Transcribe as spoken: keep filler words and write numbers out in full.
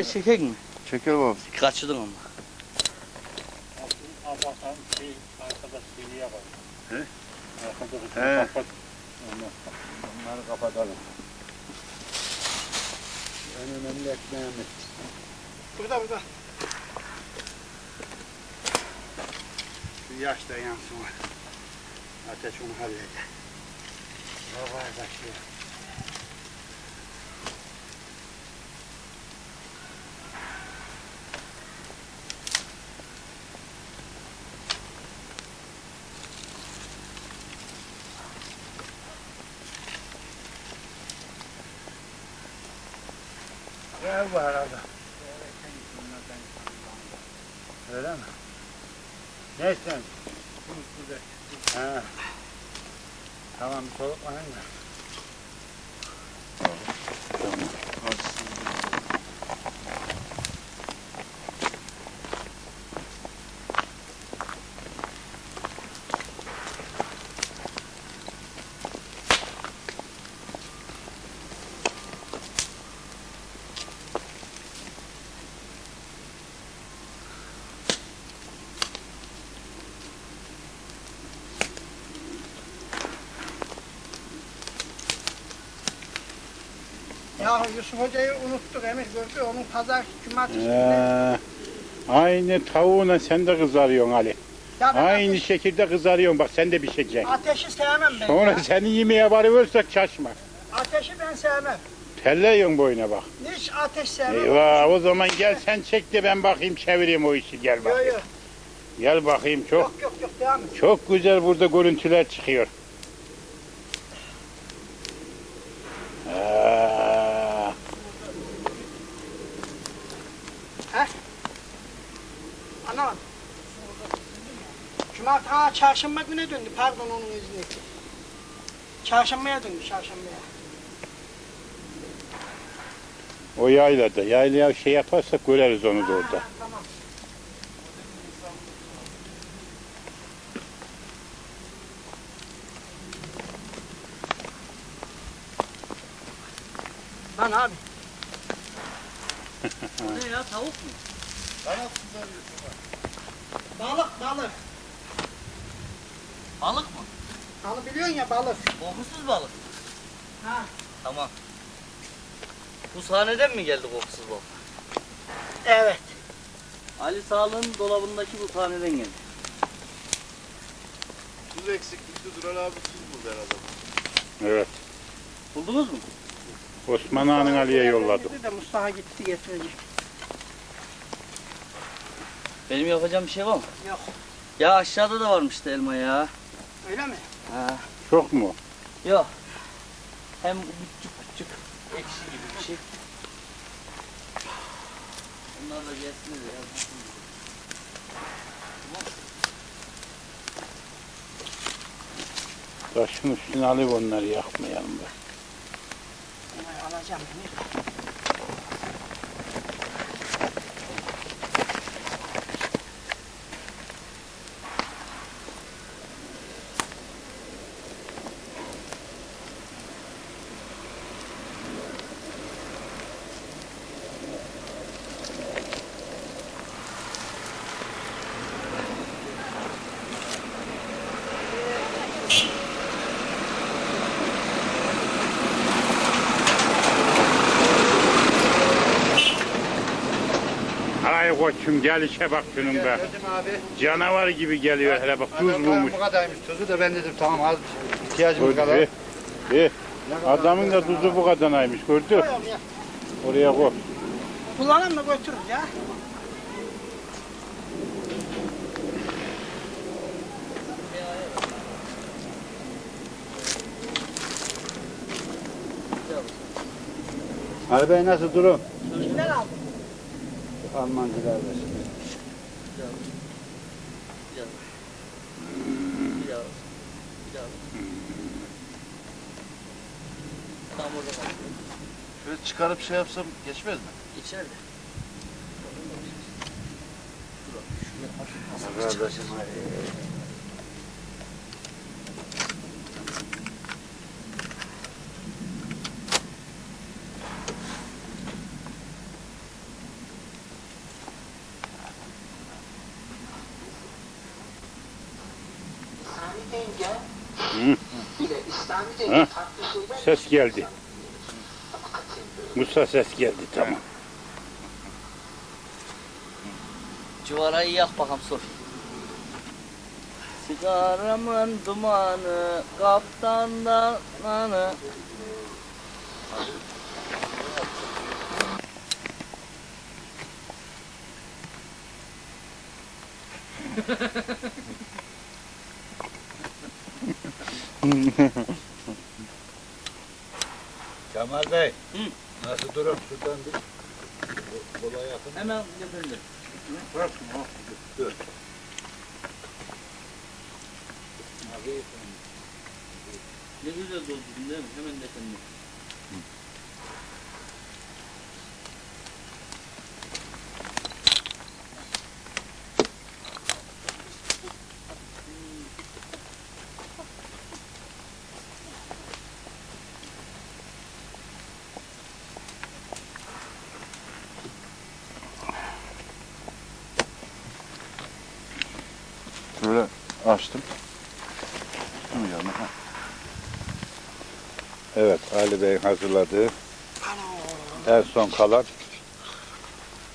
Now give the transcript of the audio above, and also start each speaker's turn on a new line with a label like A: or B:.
A: Ateş çekek mi?
B: Çekelim abi.
A: Kaçırdın ama.
C: Allah'tan şey arkadaş şeyi yapalım.
B: He?
C: Arkadaşı
B: He.
C: kapat. Onları kapatalım. En önemli ekmeğimiz.
D: Burada burada. Şu yaş da yansın. Ateş onu halleder. Havaya taşıyor. Gel bu arada. Öyle mi? Ne sen? Ha. Tamam bir soluklanın da. Ya Yusuf Hoca'yı unuttuk Emir gördü. Onun pazar cumartesi günü.
C: Ee, aynı tavuğuna sen de kızarıyorsun Ali.
D: Ya ben
C: Aynı
D: ateş-
C: şekilde kızarıyorsun bak sen de bir şekilde.
D: ateşi sevmem ben.
C: Sonra
D: ya.
C: seni yemeğe varıyorsak şaşma.
D: Ateşi ben sevmem.
C: Telleyiyorsun boyuna bak.
D: Hiç ateş sevmem.
C: Eyvah o zaman gel sen çek de ben bakayım çevireyim o işi gel
D: Yok
C: bakayım.
D: yok.
C: Gel bakayım çok
D: Yok yok yok devam et.
C: çok güzel burada görüntüler çıkıyor. Aa,
D: Anlamadım. Cumartesi, ha çarşamba güne döndü. Pardon onun izni. Çarşambaya döndü çarşambaya.
C: o yaylada yaylaya şey yaparsak göreriz onu da orada.
D: Ha, tamam. Lan abi.
A: Ne ya tavuk mu?
D: Balık balık.
A: Balık mı?
D: Balık biliyorsun ya balık.
A: Kokusuz balık.
D: Ha.
A: Tamam. Bu sahneden mi geldi kokusuz balık?
D: Evet.
A: Ali Sağlık'ın dolabındaki bu sahneden geldi.
B: Tuz eksiklikti Duran abi tuz buldu herhalde.
C: Evet.
A: Buldunuz mu?
C: Osman Ağa'nın Ali'ye yolladı.
D: Dedi de Mustafa gitti getirecek.
A: Benim yapacağım bir şey var mı?
D: Yok.
A: Ya aşağıda da varmıştı elma ya.
D: Öyle mi?
A: Ha.
C: Çok mu?
A: Yok. Hem küçük küçük ekşi gibi bir şey. Onlar da gelsin de ya.
C: Taşın üstüne alıp onları yakmayalım da.
D: Hemen alacağım Emir.
C: Ay koçum gel işe bak şunun be.
D: Geldim abi.
C: Canavar gibi geliyor hele bak tuz
D: Adam
C: bulmuş.
D: bu kadarmış tuzu da ben dedim tamam az ihtiyacım
C: Gördü.
D: kadar.
C: Eh, eh. Adamın da tuzu bu kadaraymış gördü.
D: Koyalım ya.
C: Oraya koy.
D: Kullanalım da götürürüz ya.
B: Arabayı nasıl durum?
D: Kimden aldın?
B: Almancılar ver.
A: Bir daha. Bir daha. Bir daha. Tam orada kaldı.
B: Şöyle çıkarıp şey yapsam geçmez mi?
A: İçeride.
B: Kardeşim
C: Hı. Ha? Ses geldi. Musa ses geldi, tamam.
A: Civarayı yak bakalım Sofi. Sigaramın dumanı, kaptandan anı.
B: Kemal Bey.
A: Hı.
B: Nasıl durum? Şuradan bir kola yakın.
A: Hemen götürülür.
B: Dur.
A: Ne güzel doldurdun değil mi? Hemen de kendine.
B: Böyle açtım. Şunu yanına. Ha.
C: Evet, Ali Bey'in hazırladığı
D: Ana.
C: en son kalan